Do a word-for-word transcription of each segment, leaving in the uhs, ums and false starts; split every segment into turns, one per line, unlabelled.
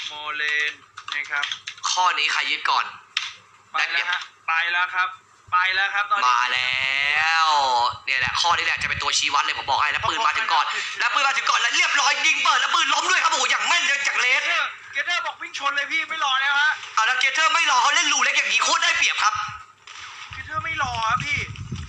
โมเลนนะครับ
ข้อนี้ใครยึดก่อน
ไปแล้วฮะไปแล้วครับไปแล้วครับตอนนี้
มาแล้วเนี่ยแหละข้อนี้แหละจะเป็นตัวชี้วัดเลยผมบอกให้แล้วปืนมาถึงก่อนแล้วปืนมาถึงก่อนแล้วเรียบร้อยยิงเปิดแล้วปืนล้มด้วยครับโอ้โหอย่างแม่นเลยจากเลส
เกเตอร์บอกวิ่งชนเลยพี่ไม่รอแล้วฮะ
เอาแล้วเกเตอร์ไม่รอเขาเล่นรูเล็กอย่างนี้โคตรได้เปรียบครับ
เกเตอร์ไม่รอครับพี่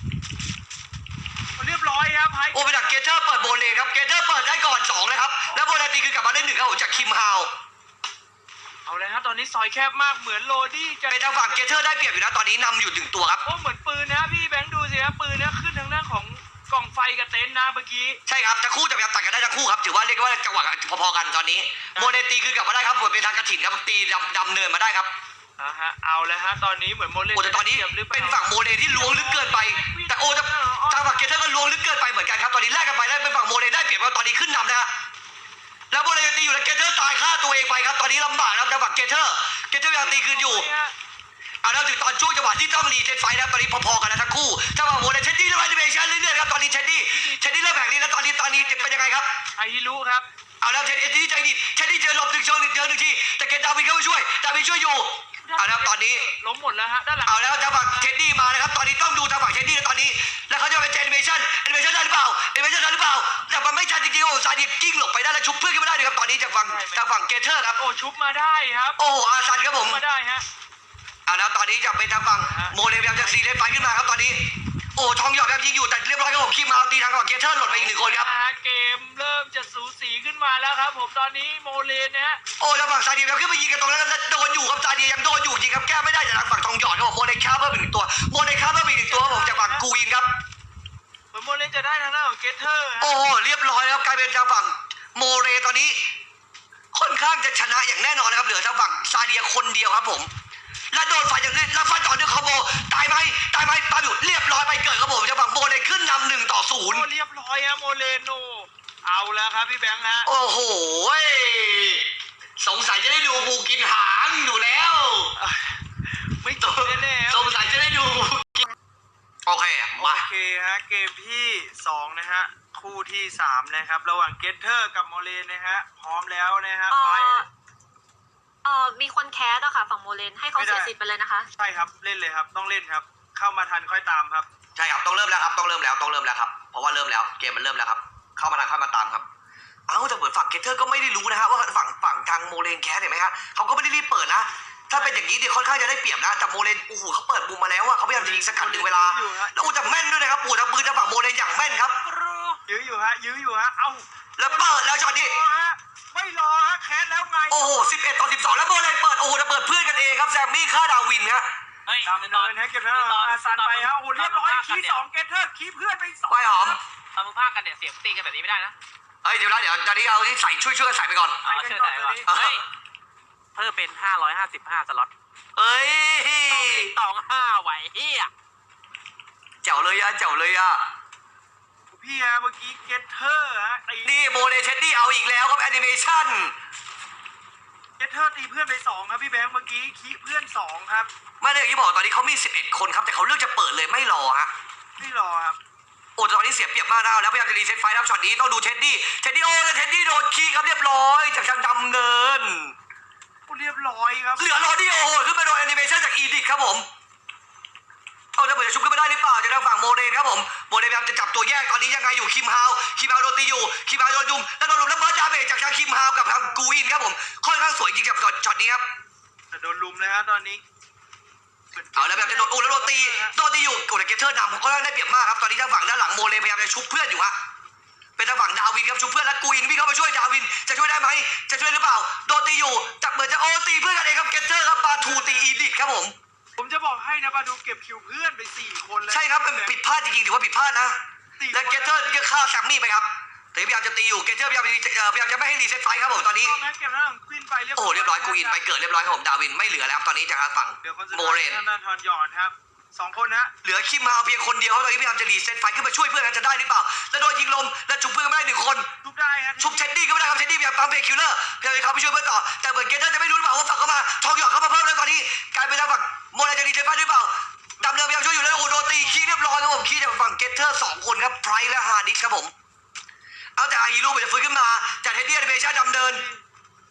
เรียบร้อยครับ
โอ้ไปดักเกเตอร์เปิดโบเลนครับเกเตอร์เปิดได้ก่อนสองเลยครับแล้วโบเลนตีคือกลับมาได้หนึ่งครับผมจากคิมฮาว
เอาเลยครับตอนนี้ซอยแคบมากเหมือนโรดี้จะ
เป็นทางฝั่งเกเตอร์ได้เปรียบอยู่นะตอนนี้นำอยู่หนึ่งตัวครับ
โอ้เหมือนปืนนะพี่แบงค์ดูสิครับปืนนะขึ้นทางด้านของกล่องไฟกับเต็นท์นะเมื่อกี้
ใช่ครับทั้งคู่จะพยายามตัดกันได้ทั้งคู่ครับถือว่าเรียกว่าจังหวะพอๆกันตอนนี้โบเลนตีคือกลับมาได้ครับเหมือนเป็นทางกระถิ่นครับตีดำดำเนินมาได้ครับ
อ่าฮะเอาเลยฮะตอนนี้เหมือนโมเลน
โอ้แต่ตอนนี้เป็นฝั่งโมเลนที่ล้วงลึกเกินไปแต่โอ้จะทางฝั่งเกเตอร์ก็ล้วงลึกเกินไปเหมือนกันครับตอนนี้แลกกันไปแล้วเป็นฝั่งโมเลนได้เปรียบครับตอนนี้ขึ้นนำนะฮะแล้วโมเลนตีอยู่แล้วเกเตอร์ตายฆ่าตัวเองไปครับตอนนี้ลำบากครับทางฝั่งเกเตอร์เกเตอร์ยังตีคืนอยู่เอาแล้วถึงตอนช่วงจังหวะที่ต้องรีเซ็ตไฟแล้วตอนนี้พอๆกันแล้วทั้งคู่ถ้าฝั่งโมเลนเชนดี้เริ่มแอนิเมชั่นเรื่อยๆครับตอนนี้เชนดี้เชนดี้เริ่มแผงนี้แล้วตอนนี้ตอนนี้เป็นยังไงครับ
ไอฮิรุครับ
เอาแล้วเชนดี้ใจดีเชนดี้เจอหลบหนึ่งเชิงหนึ่งเจอหนึ่งทีแต่เกตดาวินเข้ามาช่วยดาวินช่วยอยู่เอาแล้วตอนนี้
ล้มหมดแล้วฮะด้านหลัง
เอาแล้วทางฝั่งเชนดี้มานะครับตอนนี้ต้องดูทางฝั่งเชนดี้ตอนนี้แล้วเขาจะเป็นแอนิเมชั่นแอนิเมชั่นได้หรือเปล่าแอนิเมชั่นได้หรือเปล่าแต่มันไม่ชัดจริงๆโอ้ซาดิกิ้งหลบไปได้แล้วชุบเพื่อนขึ้นมาได้เลยครับตอนนี้จากฝั่งทางฝั่งเกเตอร์ครับ
โอ้ชุบมาได้ครับ
โอ้อาซันครับผม
มาได้ฮะ
เอาแล้วตอนนี้จะเป็นทางฝั่งโมเลพยายามจะซีเลนไฟขึ้นมาครับตอนนี้โอ้ทองหยอดครับยิงอยู่แต่เรียบร้อยครับผมคิมมาตีทางฝั่งเกเตอร์หล่นไปอีกหนึ่งคนครับ
เกมเริ่มจะสูสีขึ้นมาแล้วครับผมตอนนี้โมเลนนะฮะ
โอ้ทางฝั่งซาเดียครับขึ้นไปยิงกันตรงนั้นแล้วโดนอยู่ครับซาเดียยังโดนอยู่จริงครับแก้ไม่ได้จากทางฝั่งทองหยอดครับผมโมเลค่าเพิ่มอีกหนึ่งตัวโมเลค่าเพิ่มอีกหนึ่งตัวครับผมจากฝั่งกูอินครับ
เหมือนโมเลจะได้ทางด้านของเกเตอร์
โอ้เรียบร้อยครับกลายเป็นทางฝั่งโมเลตอนนี้ค่อนข้างจะชนะอย่างแน่นอนนะครับเหลือทางฝั่งซาเดียคนเดียวครับผมแล้วโดนไฟอย่างนี้แล้วฟันต่อด้วยคอมโบตายไหมตายไหมตายอยู่เรียบร้อยไปเกิดครับผมทางฝั่งโมเลขึ้นนำหนึ่งต่อศูนย์
เรียบร้อยฮะโมเลโนเอาแล้วครับพี่แบงค์ฮะ
โอ้โหสงสัยจะได้ดูบูกินหางอยู่แล้ว
ไม่ตกแน่
ๆสงสัยจะได้ดูโอเคมา
โอเคฮะเกมที่สองนะฮะคู่ที่สามนะครับระหว่างเกเตอร์กับโมเลนนะฮะพร้อมแล้วนะฮะไป
เอ่อมีคนแคสอะค่ะฝั่งโมเลนให้เขาเสียสิทธิ์ไปเลยนะคะ
ใช่ครับเล่นเลยครับต้องเล่นครับเข้ามาทันค่อยตามครับ
ใช่ครับต้องเริ่มแล้วครับต้องเริ่มแล้วต้องเริ่มแล้วครับเพราะว่าเริ่มแล้วเกมมันเริ่มแล้วครับเข้ามาทันเข้ามาตามครับเอ้าแต่เหมือนฝั่งเกเตอร์ก็ไม่ได้รู้นะฮะว่าฝั่งฝั่งทางโมเลนแคสเห็นไหมครับเขาก็ไม่ได้รีบเปิดนะถ้าเป็นอย่างนี้เดี๋ยวค่อนข้างจะได้เปรียบนะแต่โมเลนโอ้โหเขาเปิดมุมมาแล้วอะเขาพยายามจะยิงสกัดดึงเวลาแล้วอู้จะแม่นด้วยนะครับปูทางปืนทางฝั่งโมเลนอย่างแม่นครับ
ยื้ออยู่ฮะยื้ออยู่ฮะเอ้า
แล้วเปิดแล้วช็อตนี้
ไม่รอฮะแคสแล้วไง
โอ้โหสิบเอ็ดต่อสิบสองแล้วโมเลนเปิดโอ้โหจะเปิดเพื่อนกันเองครับแซมมี่ฆ่าดาวินครับ
ตามเนินฮะเก็บแล้วอาซันไปฮะโอ้เรียบร้อยคีสองเกเตอร์คีเพื่อนไปสอง
ไปหอม
ทำมึงพากันเนี่ยเสียงตีกันแบบนี้ไม่ได้นะ
เฮ้ยเดี๋ยวนะเดี๋ยวตอนนี้เอาที่ใส่ช่วยช่วยกันใส่ไปก่อน
เอาช่วยใส่ก่อนเฮ้ยเพิ่มเป็นห้าร้อยห้าสิบห้าสล็อต
เอ้ย
ตองห้าไหวเฮีย
เจ๋วเลยอะเจ๋วเลยอะ
พี่ฮะเมื่อกี้เกเตอร์ฮะ
นี่โมเลเชนดี้เอาอีกแล้วครับแอนิเมชั่น
เกเตอร์ตีเพื่อนไปสองครับพี่แบงค์เมื่อกี้คีเพื่อนสองครับ
ไม่ได้อย่างที่บอกตอนนี้เขามีสิบเอ็ดคนครับแต่เขาเลือกจะเปิดเลยไม่รอฮะ
ไม่รอครับ
โอ้ตอนนี้เสียเปรียบมากนะแล้วพยายามจะรีเซ็ตไฟรับช็อตนี้ต้องดูเชนดี้เชนดี้โอ้แล้วเชนดี้โดนคีครับเรียบร้อยจากทางดำเนิน
เรียบร้อยครับ
เหลือรอดี้โอ้โหขึ้นมาโดนแอนิเมชั่นจากอีดิทครับผมเอาจะเปิดจะชุบขึ้นมาได้หรือเปล่าจะทางฝั่งโมเดนครับผมโมเดนพยายามจะจับตัวแยกตอนนี้ยังไงอยู่คิมฮาวคิมฮาวโดนตีอยู่คิมฮาวโดนยุมแล้วโดนลุมแล้วเบิร์ดดาเมจจากทางคิมฮาวกับทางกูอินครับผมค่อนข้างสวยจริงกับช็อตนี้ครับ
แต่โดนลุมเลยฮะตอนนี้
เอาแล้วแบบจะโดนโอ้แล้วโดนตีโดนตีอยู่โอ้แต่เกเตอร์นำก็ได้เปรียบมากครับตอนนี้ทางฝั่งด้านหลังโมเลพยายามจะชุบเพื่อนอยู่ฮะเป็นทางฝั่งดาวินครับชุบเพื่อนแล้วกูอินวิ่งเข้ามาช่วยดาวินจะช่วยได้ไหมจะช่วยหรือเปล่าโดนตีอยู่จับเหมือนจะโอ้ตีเพื่อนกันเองครับเกเตอร์ครับปาทูตีอีดิทครับผม
ผมจะบอกให้นะปาทูเก็บคิวเพื่อนไปสี่คนแล้ว
ใช่ครับเป็นผิดพลาดจริงๆถือว่าผิดพลาดนะและเกเตอร์ก็ฆ่าแซมมี่ไปครับแต่พยายามจะตีอยู่เกเตอร์พยายามพยายามจะไม่ให้รีเซ็ตไฟครับผมตอนนี้โอ้เรียบร้อยกูอินไปเกิดเรียบร้อยครับผมดาวินไม่เหลือแล้วตอนนี้จากทางฝั่งโมเรน
ทอนหยอดครับสองคนนะ
เหลือคิมฮาวเพียงคนเดียวเขาตอนนี้พยายามจะรีเซ็ตไฟขึ้นมาช่วยเพื่อนกันจะได้หรือเปล่าแล้วโดนยิงลมแล้วชุบเพื่อนไม่ได้หนึ่งคน
ชุบได้ครับ
ชุบเชนดี้ก็ไม่ได้ครับเชนดี้พยายามปั๊มเบรคิลเลอร์พยายามเข้าไปช่วยเพื่อนต่อแต่เหมือนเกเตอร์จะไม่รู้หรือเปล่าว่าฝั่งเข้ามาทองหยอดเข้ามาเพิ่มแล้วตอนนี้กลายเป็นทางฝั่งโมเรนจะรีเซ็ตไฟหรือเปล่าดำเนินพยายามช่วยอยู่แล้วโอ้โดนตีคีเรียบร้อยครับผมคีจากฝั่งเกเตอร์สองคนครับไพรและฮาร์ดิสครับผมเอาแต่อาฮิรุมันจะฟื้นขึ้นมาจากเทดดี้แอนิเมชั่นดำเนิน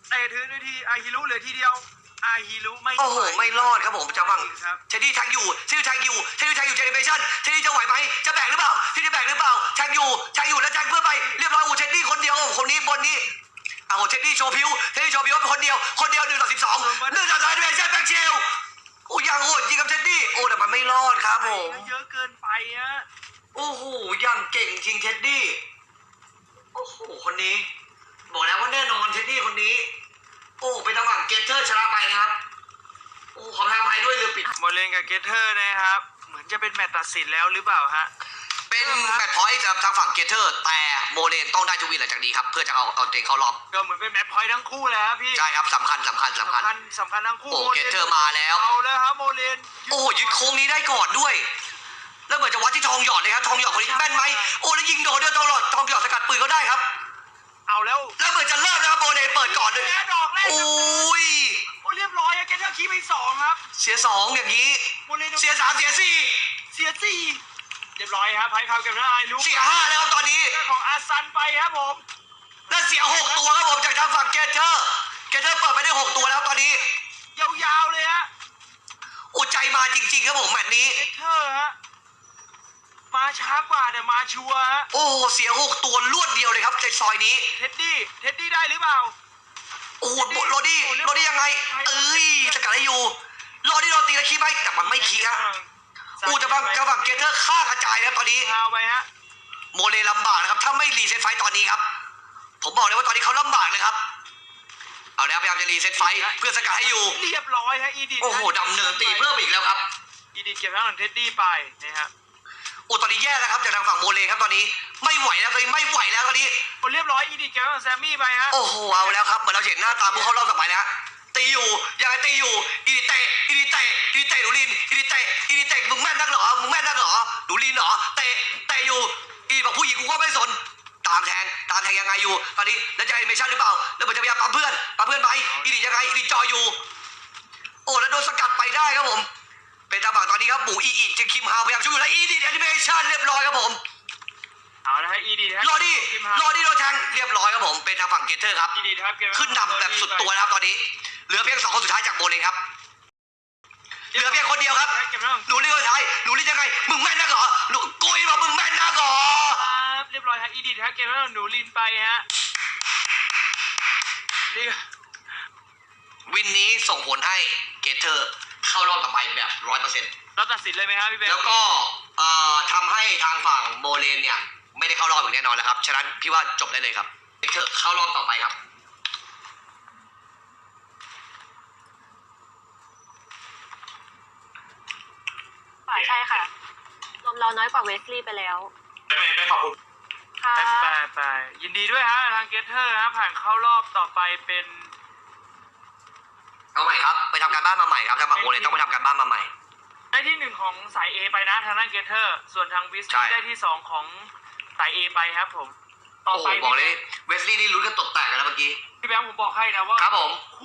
เตะถึงนาทีอาฮิรุเหลือทีเดียวอาฮิรุไม่
โอ้โหไม่รอดครับผมจังหวะ
ครับ
เชดดี้แทงอยู่เชดดี้แทงอยู่เชดดี้แทงอยู่เจเนเรชั่นเชดดี้จะไหวไหมจะแบกหรือเปล่าเชดดี้แบกหรือเปล่าแทงอยู่แทงอยู่แล้วแทงเพื่อไปเรียบร้อยโอ้เชดดี้คนเดียวคนนี้บนนี้เอาเชดดี้โชว์พิวเชดดี้โชว์พิวคนเดียวคนเดียวหนึ่งต่อสิบสองหนึ่งต่อสองเจเนเรชั่นแบกเชลโอ้ยังโหดยิงกับเชดดี้โอ้แต่มันไม่รอดครับผม
เยอะเกินไปฮะ
โอ้โหยังเก่งจริงเชดดี้โอ้โหคนนี้บอกแล้วว่าแน่นอนเชดดี้คนนี้โอ้เป็นจังหวะเกตเตอร์ชนะไปนะครับโอ้ขอทำให้ด้วยลืมปิด
โมเลนกับเกเทอร์นะครับ เหมือนจะเป็นแมตช์ตัดสินแล้วหรือเปล่าฮะ
เป็นแมตช์พอยต์สำหรับทางฝั่งเกเตอร์แต่โมเลนต้องได้ทุกวินหลังจากนี้ครับเพื่อจะเอาเอาตัวเองเข้ารอบ
ก็เหมือนเป็นแมตช์พอยต์ทั้งคู่เลยครับพี่
ใช่ครับสำคัญสำคัญสำคัญ
สำคัญสำคัญทั้งคู่
โอ้
โมลน
เกเทอร์มาแล้ว
เอาแล้วครับโมเลน
โอ้ยึดโค้งนี้ได้ก่อนด้วย แล้วเหมือนจะวัดที่ทองหยอดเลยครับทองหยอดคนนี้แม่นไหมโอ้แล้วยิงโดนด้วยทองหยอดทองหยอดสกัดปืนเขาได้ครับ
เอาแล้ว
แล้วเหมือนจะเริ่มนะครับโมเลนเปิดก่อนด้วย
แพ้ดอกแรก
โอ้ย
โอ้เรียบร้อยอะเกเทอร์คีไปสองครับ
เสียสองอย่างนี้
โมเลน
เสียสามเสียสี่
เสียสี่เรียบร้อยครับไพ่พาวเก็บได้รู้
เสียห้าแล้วครับตอนนี้
ของอาซันไปครับผม
และเสียหกตัวครับผมจากทางฝั่งเกเทอร์เกเทอร์เปิดไปได้หกตัวแล้วตอนนี้
ยาวๆเลยฮะ
อุใจมาจริงๆครับผมแมตช์นี้
เกเทอร์ฮะมาช้ากว่าแต่มาชัวร์ฮะ
โอ้โหเสียหกตัวรวดเดียวเลยครับในซอยนี้
เท็ดดี้เท็ดดี้ได้หรือเปล่า
โอ้โหโรดี้โรดี้ยังไง เอ้ยสกัดให้อยู่โรดี้โรตีแล้วคีบไหมแต่มันไม่คีฮะอู้จะบังจะบังเกเทอร์ฆ่ากระจายแล้วตอนนี้
พาวไปฮะ
โมเลลำบากนะครับถ้าไม่รีเซ็ตไฟต์ตอนนี้ครับ ผมบอกเลยว่าตอนนี้เขาลำบากเลยครับ เอาแล้วพยายามจะรีเซ็ตไฟต์เพื่อสกัดให้อยู่
เรียบร้อยฮะอีดิท
โอ้โหดำเนินตีเพิ่มอีกแล้วครับ
อีดิทเก็บทางของเท็ดดี้ไปนะฮะ
โอ้ตอนนี้แย่แล้วครับจากทางฝั่งโมเลครับตอนนี้ไม่ไหวแล้วตอนนี้ไม่ไหวแล้วตอนนี้
โอ้เรียบร้อยอีดิทเก็บทางของแซมมี่ไปฮะ
โอ้โหเอาแล้วครับเหมือนเราเห็นหน้าตาผู้เข้ารอบต่อไปแล้วฮะตีอยู่ยังไงตีอยู่อีดิเตะอีดิเตะอีดิเตะหนูลินอีดิเตะอีดิเตะมึงแม่นนักเหรอมึงแม่นนักเหรอหนูลินเหรอเตะเตะอยู่อีบอกผู้หญิงกูก็ไม่สนตามแทงตามแทงยังไงอยู่ตอนนี้แล้วจะแอนิเมชั่นหรือเปล่าแล้วเหมือนจะพยายามปั๊มเพื่อนปั๊มเพื่อนไปอีดิยังไงอีดิจออยู่โอ้แล้วโดนสกัดไปได้ครับผมเป็นจังหวะตอนนี้ครับหมูอีอีจะคิมฮาวพยายามช่วยอยู่แล้วอีดิแอนิเมชั่นเรียบร้อยครับผม
เอาละฮะอีดิทฮะ
รอดี้รอดี้โดนแทงเรียบร้อยครับผมเป็นทางฝั่งเกตเตอร์ครับ
อีดิทครับเก็บ
ขึ้นนำแบบสุดตัวนะครับตอนนี้เหลือเพียงสองคนสุดท้ายจากโบเลยครับเหลือเพียงคนเดียวครับ
เก็บทางของ
หนูรีคนสุดท้ายหนูรียังไงมึงแม่นนักเหรอหนูกุยบอกมึงแม่นนักเหรอ
ครับเรียบร้อยฮะอีดิทฮะเก็บทางของหนูลินไปฮะเรียบ
วินนี้ส่งผลให้เกตเตอร์เข้ารอบต่อไปแบบร้อยเปอร์เซ็นต์
เราตัดสินเลยไหมครับพี่เบล
แล้วก็เอ่อทำให้ทางฝั่งโบเลนเนี่ยไม่ได้เข้ารอบอย่างแน่นอนแล้วครับฉะนั้นพี่ว่าจบได้เลยครับเกตเตอร์เข้ารอบต่อไปครับ
ใช่ค่ะรวมเราน้อยกว่าเวสลีย์ไปแล้ว
ไปไปขอบคุณ
ค่ะ
ไปไปไปยินดีด้วยฮะทางเกเทอร์ฮะผ่านเข้ารอบต่อไปเป็น
เอาใหม่ครับไปทำการบ้านมาใหม่ครับทางฝั่งโบเลนต้องไปทำการบ้านมาใหม่
ได้ที่หนึ่งของสาย A ไปนะทางด้านเกเทอร์ส่วนทางวิส
ใช่
ได้ที่สองของสาย A ไปครับผมต่อ
โอ้โห
ไป
บอกเลยเวสลี่นี่ลุ้นกันตกแตกกันแล้วเมื่อกี้
พี่แบงค์ผมบอกให้นะว่า
ครับผม